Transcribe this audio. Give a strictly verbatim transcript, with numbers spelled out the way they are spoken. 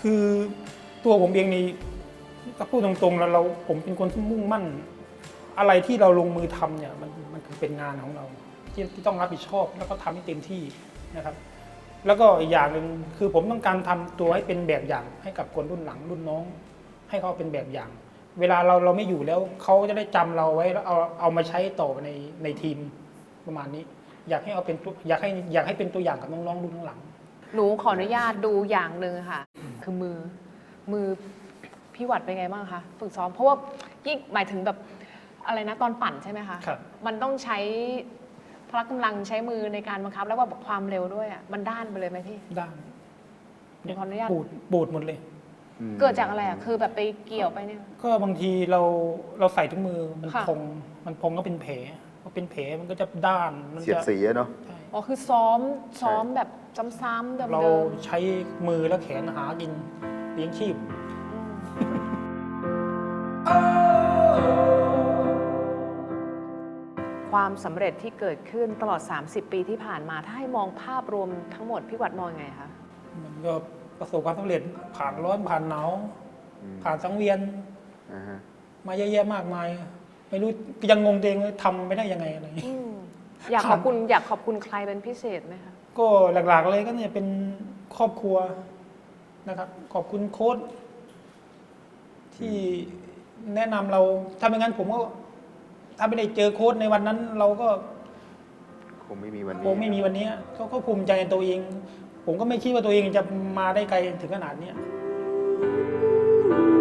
คือตัวผมเองนี่ถ้าพูดตรงๆแล้วเราผมเป็นคนที่มุ่งมั่นอะไรที่เราลงมือทำเนี่ยมันมันคือเป็นงานของเราที่ที่ต้องรับผิดชอบแล้วก็ทำให้เต็มที่นะครับ แล้วก็อีกอย่างหนึ่งคือผมต้องการทำตัวให้เป็นแบบอย่างให้กับคนรุ่นหลังรุ่นน้อง ให้เขาเป็นแบบอย่าง เวลาเราเราไม่อยู่แล้วเขาจะได้จำเราไว้แล้วเอาเอามาใช้ต่อในในทีมประมาณนี้ อยากให้เอาเป็นตัวอยากให้อยากให้เป็นตัวอย่างกับน้องๆรุ่นหลังหนูขออนุญาตดูอย่างหนึ่งค่ะ คือมือมือพี่หวัดเป็นไงบ้างคะฝึกซ้อมเพราะว่ายิ่งหมายถึงแบบอะไรนะตอนปั่นใช่ไหมคะครับมันต้องใช้พละกำลังใช้มือในการบังคับแล้วว่าความเร็วด้วยอ่ะมันด้านไปเลยไหมพี่ด้านหนูขออนุญาตปูดปูดหมดเลยเกิดจากอะไรอ่ะคือแบบไปเกี่ยวไปเนี่ยก็บางทีเราเราใส่ถุงมือมันค่ะพองมันพองก็เป็นแผลพอเป็นแผลมันก็จะด้านมันเสียดจะสีอะเนาะใช่อ๋อคือซ้อมซ้อมแบบซ้ำๆเดิมๆเราใช้มือและแขนหากินเลี้ยงชีพความสำเร็จที่เกิดขึ้นตลอด สามสิบ ปีที่ผ่านมา ถ้าให้มองภาพรวมทั้งหมดพี่หวัดมองยังไงคะมันก็ประสบความสำเร็จผ่านร้อนผ่านหนาวผ่านสังเวียนอ่าฮะมาเยอะแยะมากมาย ไม่รู้ยังงงตัวเองเลยทำไม่ได้ยังไงอะไรอืมอยากขอบคุณอยากขอบคุณใครเป็นพิเศษไหมคะก็หลักๆเลยก็เนี่ยเป็นครอบครัวนะครับ ขอบคุณโค้ชที่แนะนำเราถ้าไม่งั้นผมก็ถ้าไม่ได้เจอโค้ชในวันนั้น เราก็คงไม่มีวันนี้คงไม่มีวันนี้เขาก็ภูมิใจในตัวเอง ผมก็ไม่คิดว่าตัวเองจะมาได้ไกลถึงขนาดเนี้ย